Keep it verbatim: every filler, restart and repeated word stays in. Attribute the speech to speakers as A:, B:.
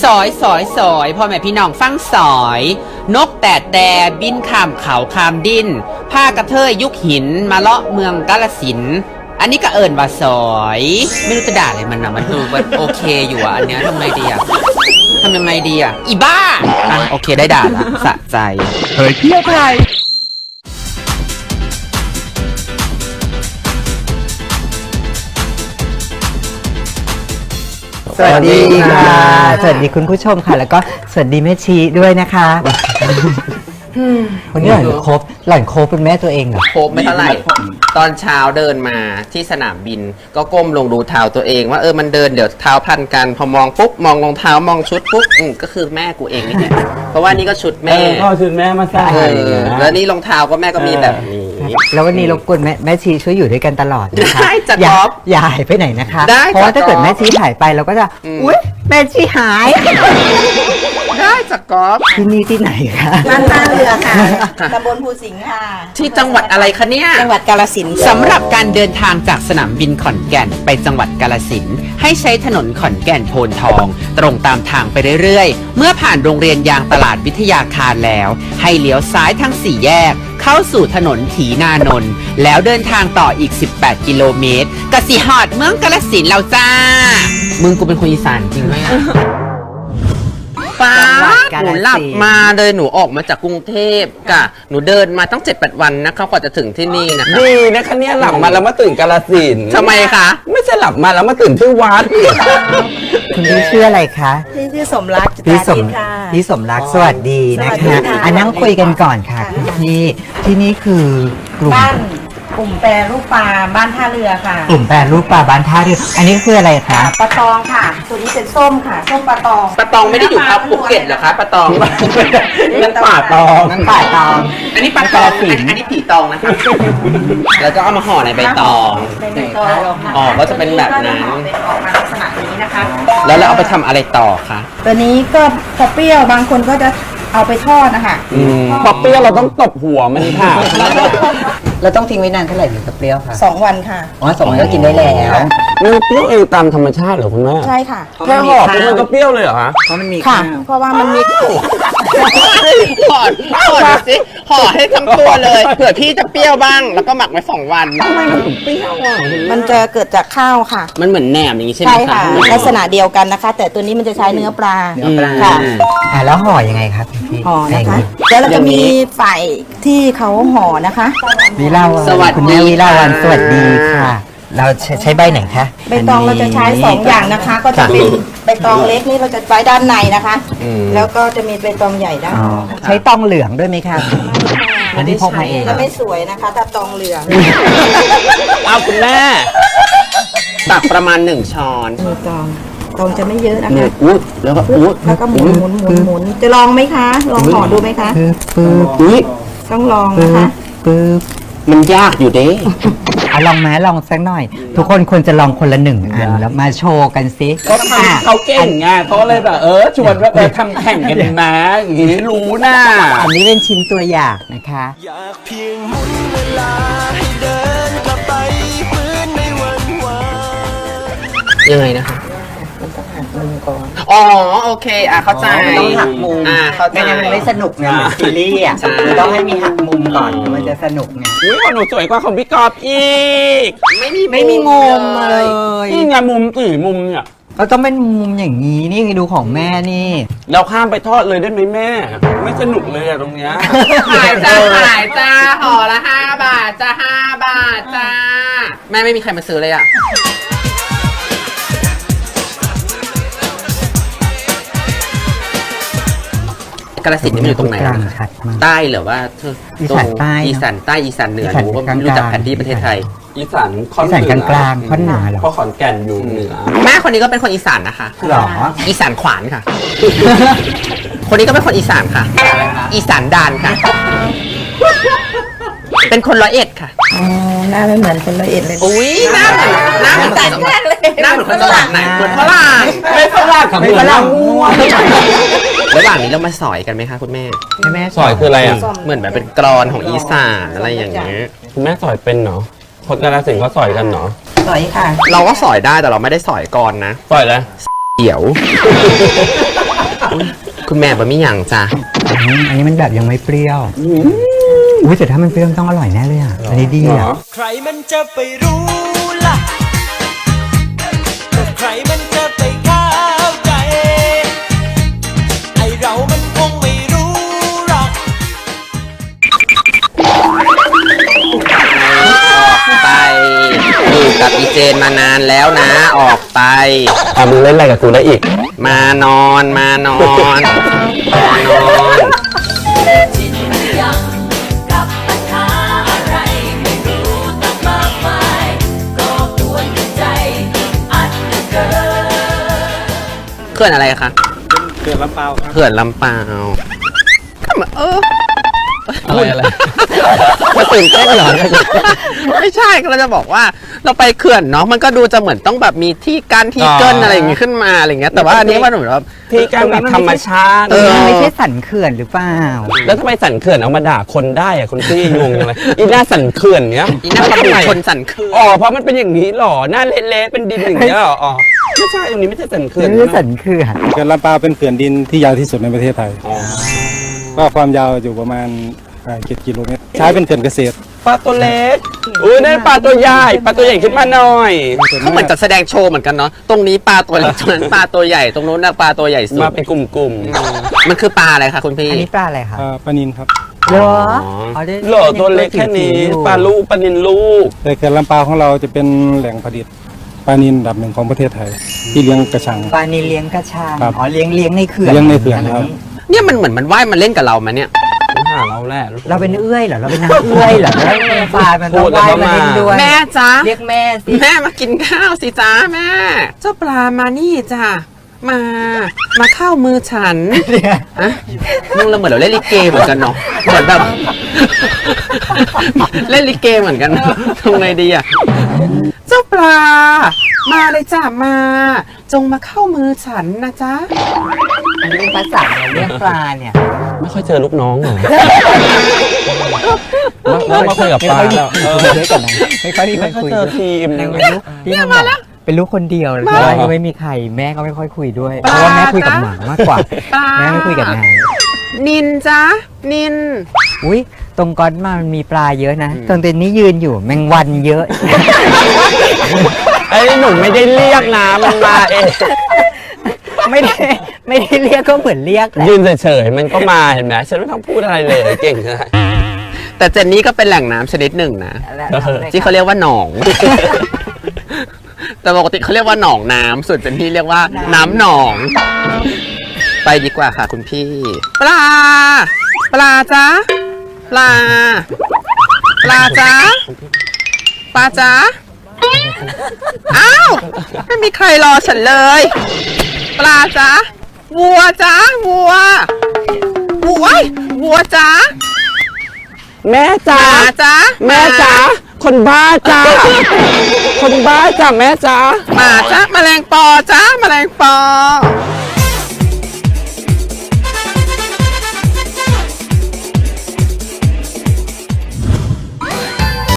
A: สอยสอยสอยพ่อแม่พี่น้องฟังสอยนกแต่แต่บินข้ามเขาข้ามดินผ้ากระเทยยุคหินมาเลาะเมืองกาฬสินธุ์อันนี้ก็เอิญว่าสอยไม่รู้จะด่าอะไรมันนะมันดูมันโอเคอยู่อ่ะอันเนี้ยทำไงดีอ่ะทำยังไงดีอ่ะอีบ้าอ่ะโอเคได้ด่าละสะใจเฮ้ยเที่ยวไทย
B: สวัสดีค่ะสวัสดีคุณผู้ชมค่ะแล้วก็สวัสดีแม่ชีด้วยนะคะวันนี้หล่อนครบหล่อนครบเป็นแม่ตัวเองเหรอ
A: ครบไม่เท่าไหร่ตอนเช้าเดินมาที่สนามบินก็ก้มลงดูเท้าตัวเองว่าเออมันเดินเดี๋ยวเท้าพันกันพอมองปุ๊บมองรองเท้ามองชุดปุ๊บอืมก็คือแม่กูเองนี่แหละเพราะว่านี่ก็ชุดแม่
C: พ่อชุดแม่มาใส่
A: แล้วนี่รองเท้าก็แม่ก็มีแบบนี้
B: แล้ววันนี้รบกวนแม่แม่ชีช่วยอยู่ด้วยกันตลอดนะคะ
A: ได้จะ
B: อย่า
A: ก๊อฟ
B: อย่าหายไปไหนนะคะ
A: ได้
B: เพราะว่าถ้าเกิดแม่ชีหายไปเราก็จะอุ๊ยแม่ชีหาย
A: ได้จากกอล์ฟ
B: ที่นี่ที่ไหนคะ
D: บ้านท่าเรือค่ะตำบลภูสิงห์ค่ะ
A: ที่จังหวัดอะไรคะเนี่ย
D: จังหวัดกาฬสินธุ์
A: สำหรับการเดินทางจากสนามบินขอนแก่นไปจังหวัดกาฬสินธุ์ให้ใช้ถนนขอนแก่นโพนทองตรงตามทางไปเรื่อยๆเมื่อผ่านโรงเรียนยางตลาดวิทยาคารแล้วให้เลี้ยวซ้ายทั้งสี่แยกเข้าสู่ถนนถีนานนท์แล้วเดินทางต่ออีกสิบแปดกิโลเมตรกสิฮอดเมืองกาฬสินธุ์เราจ้ามึงกูเป็นคนอีสานจริงไหมป้าหนูหลับมาเลยหนูออกมาจากกรุงเทพกะหนูเดินมาตั้งเจ็ดแปดวันนะคะกว่าจะถึงที่นี่นะคะ
C: ดีนะคะเนี่ยหลับมาแล้วมาตื่นกาฬสินธุ์
A: ทำไมคะ
C: ไม่ใช่หลับมาแล้วมาตื่นที่วัด
B: คุณพี่ชื่ออะไรคะ
D: พี่ชื่อสมรัก
B: พี่สมพี่สมรักสวัสดีนะคะอ่ะนั่งคุยกันก่อนค่ะพี่ที่นี่คือกลุ่ม
D: บ้านกลุ่มแปรรูปปลาบ้านท่าเรือค่ะ
B: กลุ่มแปรรูปปลาบ้านท่าเรืออันนี้คืออะไรคะ
D: ปลาตองค่ะตัวนี้เป็นส้มค่ะส้มปลาตอง
A: ปลาตองไม่ได้อยู่ครับภูเก็ตเหรอคะปลาตอง
C: นั่นป่าตอง
B: นั่นป่าตอง
A: อันนี้ปลาตองอันนี้ผีตองนะคะแล้วก็เอามาห่อในใบตอง
D: ใบตอง
A: อ๋อก็จะเป็นแบบนั้น
D: เป็นออกมาลักษณะนี้นะคะ
A: แล้วเราเอาไปทำอะไรต่อคะ
D: ตัวนี้ก็พอเปรี้ยวบางคนก็จะเอาไปทอดนะคะ
C: พอเปรี้ยวเราต้องตบหัวมันค่ะ
B: เราต้องทิ้งไว้นานเท่าไหร่ถึงจะเปรี้ยวคะ
D: สองวันค่ะ
B: อ๋อสองวันก็กินได้แล้ว
C: มันเปรี้ยวเองตามธรรมชาติเหรอคุณแม่
D: ใช่ค่ะ
C: แค่ห่อปุ๊บมันก็เปรี้ยวเลยเหรอคะ
B: เพราะมันมี
D: ค่ะเพราะว่ามันมี
A: ห่อห่อสิห่อให้ทั้งตัวเลยเผื่อพี่จะเปรี้ยวบ้างแล้วก็หมักไว้สองวัน
C: ทำไมมันถึงเปรี้ยวอ่ะ
D: มันจะเกิดจากข้าวค่ะ
A: มันเหมือนแหนมอย่างนี้ใช่ไหม
D: ใช่ค่ะลักษณะเดียวกันนะคะแต่ตัวนี้มันจะใช้เนื้อปลา
B: เนื้อปลา
D: ค่ะ
B: อ่าแล้วห่อยังไงครับพี่
D: ห่อนะคะแล้วเราจะมีฝ่ายที่เขาห่อนะคะ
B: วิลาวันคุณแม่วิลาวันสวัสดีค่ะเราใช้ใบไหนคะ
D: ใบตองเราจะใช้สองอย่างนะคะก็จะเป็นใบตองเล็กนี่เราจะไว้ด้านในนะคะแล้วก็จะมีใบตองใหญ่ด้านนอก
B: ใช้ตองเหลืองด้วยไหมคะอันนี้พกมาเอง
D: จะไม่สวยนะคะถ้าตองเหลือง
A: เอาคุณแม่ตักประมาณหนึ่งช้อน
D: มีตองตองจะไม่เยอะนะคะ
A: อุ๊ยแล้วก็อุ๊ย
D: แล้วก็หมุนหมุนหมุนหมุนจะลองไหมคะลองห่อดูไหมคะ
B: ปึ๊บ
A: อุ๊ย
D: ต้องลองนะคะ
B: ปึ๊บ
A: มันยากอยู่เด้
B: เอาลองไหมลองสักหน่อย ทุกคนควรจะลองคนละหนึ่งอันแล้วมาโชว์กันซิ
C: ก็ทำเขาเก่งไงเขาเลยแบบเออชวนว่าเออทำแข่งกันนะอย่างนี้รู้นะ
B: อันนี้เป็นชิ้นตัวอย่างนะคะ
E: อยากเพียงหมุนเวลาให้เดินกลับไปเหมือนในวันวาน
A: ยังไงนะคะ
D: ต้องหักมุมก่อน
A: อ๋อโอเคอ่ะเข้าใจ
B: ต้องหักมุม
A: อ่าเข้าใจ
B: ไม่งั้นมันไม่สนุกไงซีรีส์อ่ะต้องให้มีหักมุมก่อนมันจะสนุกไง
C: อุ้ยของหนูสวยกว่าของพี่กอบอีก
A: ไม่มี
B: ไม่มีมุมเลย
C: นี่ไงมุมสี่มุมเนี่ย
B: เราต้องเป็นมุมอย่างนี้นี่ดูของแม่นี่
C: เราข้ามไปทอดเลยได้ไหมแม่ไม่สนุกเลยอะตรงเนี้ย
A: ขายจ้าขายจ้าห่อละห้าบาทจ้าห้าบาทจ้าแม่ไม่มีใครมาซื้อเลยอ่ะกาฬสินธุ์นี่มันอยู่ตรงไหนใต้หรือว่า
B: อีสานใต้
A: อีสานใต้อีสานเหนือหนูก็ไม่รู้จักแผนที่ประเทศไทย
C: อีสานค่อน
B: เหนือกลางค่อนเหนือหรอ
C: เพราะขอนแก่นอยู่เหนือ
A: แม่คนนี้ก็เป็นคนอีสานนะคะ
B: หรอ
A: อีสานขวานค่ะคนนี้ก็เป็นคนอีสานค่ะอีสานดานค่ะเป็นคนร้อยเอ็ดค่ะ
D: อ๋อหน้าไม่เหมือนคนร้อยเอ็ดเลย
A: อุ้ยหน้าเหมือนหน้าเหมือนแต่แรกเลยหน้าเหมือนคนจังหวัดไหนเหมือนฝรั่ง
C: ไม่ฝรั่ง
B: ไม่ฝรั่ง
A: มั่วระหว่างนี้เรามาสอยกันไหมคะคุณแม่
B: แม่
C: สอยคืออะไรอ่ะ
A: เหมือนแบบเป็นกรอนของอีสานอะไรอย่างเงี้ย
C: คุณแม่สอยเป็นเนาะคนกาฬสินธุ์เขาสอยกันเนาะ
D: สอยค่ะ
A: เราก็สอยได้แต่เราไม่ได้สอยกรอนนะ
C: สอยเลย
A: เดี๋ยวคุณแม่บะมี่หยังจ้ะ
B: อืมอันนี้มันแบบยังไม่เปรี้ยวอุ้ยแต่ถ้ามันเปรี้ยวมันต้องอร่อยแน่เลยอ่ะ อันนี้ดีอ่ะ
E: ใครมันจะไปรู้ล่ะก็ใครมันจะไปเข้าใจ ไอเรามันคงไม่รู้หรอก
A: ไปอยู่กับอีเจนมานานแล้วนะ ออกไป
C: อ่ะมึงเล่นอะไรกับกูได้อีก
A: มานอนมานอนมานอน
F: ชินยังกับปัญหาอะไรไม่รู้ตั้งมากมายก็กวนใจอัดเหลือเกิน
A: เขื่อนอะไรคะเขื่อนลำเปาเขื่อนลำเปาก็เหมือนเออ
C: อะไรอะไร
A: มาตื่นเต้นเหรอไม่ใช่เราจะบอกว่าเราไปเขื่อนเนาะมันก็ดูจะเหมือนต้องแบบมีที่กั้นที่เกิ้นอะไรอย่างงี้ขึ้นมาอะไรอย่างเงี้ยแต่ว่าอันนี้มันเหมือนว่า
C: ที่การแบบธรรมชาติ
A: เออ
B: มันไม่ใช่สันเขื่อนหรือเปล่า
C: แล้วทำไมสันเขื่อนเอามาด่าคนได้อะคุณพี่งงจังเลยอีหน้าสันเขื่อนเนี้ย
A: อีน่าประบุคนสั่นเขื่อน
C: อ๋อเพราะมันเป็นอย่างนี้หรอหน้าเละๆเป็นดินอย่างเงี้ยหรออ๋อไม่ใช่ตรงนี้ไม่ใช่สันเขื่อน
B: ไม่ใช่สันเขื่อน
G: เขื่อนลำปาวเป็นเขื่อนดินที่ยาวที่สุดในประเทศไทยก็ความยาวอยู่ประมาณเจ็ดกิโลเมตร ใช้เป็นเขื่อนเกษตร
C: ปลาตัวเล็กอุ้ยนั่นปลาตัวใหญ่ปลาตัวใหญ่ขึ้นมาหน่อย
A: เขาเหมือนจัดแสดงโชว์เหมือนกันเนาะตรงนี้ปลาตัวเล็กตรงนั้นปลาตัวใหญ่ตรงนู้นน่ะปลาตัวใหญ่สุด
C: มาเป็นกลุ่ม
A: มันคือปลาอะไรคะคุณพี่
B: อันนี้ปลาอะไรคะ
G: อ่าปลานินครับ
B: เหรอ
A: อ๋อ
B: ได้
C: ๆเหล่อตัวเล็กแค่นี้ปลาลูกปลานินลูก
G: แต่เขื่อนลำปาวของเราจะเป็นแหล่งผลิตปลานินอันดับหนึ่งของประเทศไทย ที่เลี้ยงกระชัง
B: ปลานิลเลี้ยงกระชัง
G: ครับ
B: อ๋อเลี้ยงเลี้ยงในเขื่อน
G: เลี้ยงในเขื่อนครับ
A: เนี่ยมันเหมือนมันว่ายมาเล่นกับเรามาเนี่ย
C: หาเราแหละ
B: เราเป็นเอื้อยเหรอเราเป็นนางเอื้อยเหรอแล้วปลามันต้องว่ายมาเล่นด้วย
A: แม่จ้า
B: เรียกแม่สิ
A: แม่มากินข้าวสิจ้าแม่ เจ้าปลามานี่จ้ามา มาเข้ามือฉันอะมึงเราเหมือนเราเล่นลิเกเหมือนกันเนาะเหมือนแบบ เล่นลิเกเหมือนกันเนอะทำไงดีอะเจ้าปลา มาเลยจ้ามา จงมาเข้ามือฉันนะจ๊ะ
B: อันนี้เป็นภาษาเรียกปลาเนี่ย
C: ไม่ค่อยเจอลูกน้องเหรอมามาคุยกับปลาแล้วเออ
B: ไม่ค่อยไม่ค่อยมี
C: ไม่
B: คน
C: ค่อย
B: คุย
C: เจอทีม
B: นางเป็นลูกพี่นางบอกเป็นลูกคนเดียวเพราะว่ายังไม่มีใครแม่ก็ไม่ค่อยคุยด้วย เพราะว่าแม่คุยกับหมามากกว่า
A: ปลา
B: แม่ไม่คุยกับนาง
A: นินจ้านิน
B: อุ้ยตรงก้อนมามันมีปลาเยอะนะตรงเต็นนี้ยืนอยู่แมงวันเยอะ
C: ไอ้หนูไม่ได้เรียกนะมันมาเอง
B: ไม่ได้ไม่ได้เรียกก็เหมือนเรียกแหละ
C: ยืนเฉยๆมันก็มาเห็นไหมฉันไม่ต้องพูดอะไรเลยเก่งเลย
A: แต่เจนนี่ก็เป็นแหล่งน้ำชนิดหนึ่งนะ ที่เขาเรียกว่าหนอง แต่ปกติเขาเรียกว่าหนองน้ำส่วนเจนนี่เรียกว่าน้ำหนอง ไปดีกว่าค่ะคุณพี่ ปลา ปลาจ้าปลา ปลาจ้าปลาจ้าอ้าว ไม่มีใครรอฉันเลย ปลาจ้าวัวจ้าวัว วัววัวจ้า
C: แม่จ๋า
A: หมาจ้า
C: แม่จ๋าคนบ้าจ้าคนบ้าจ้าแม่จ๋า
A: หมาจ้าแมลงปอจ้าแมลงปอ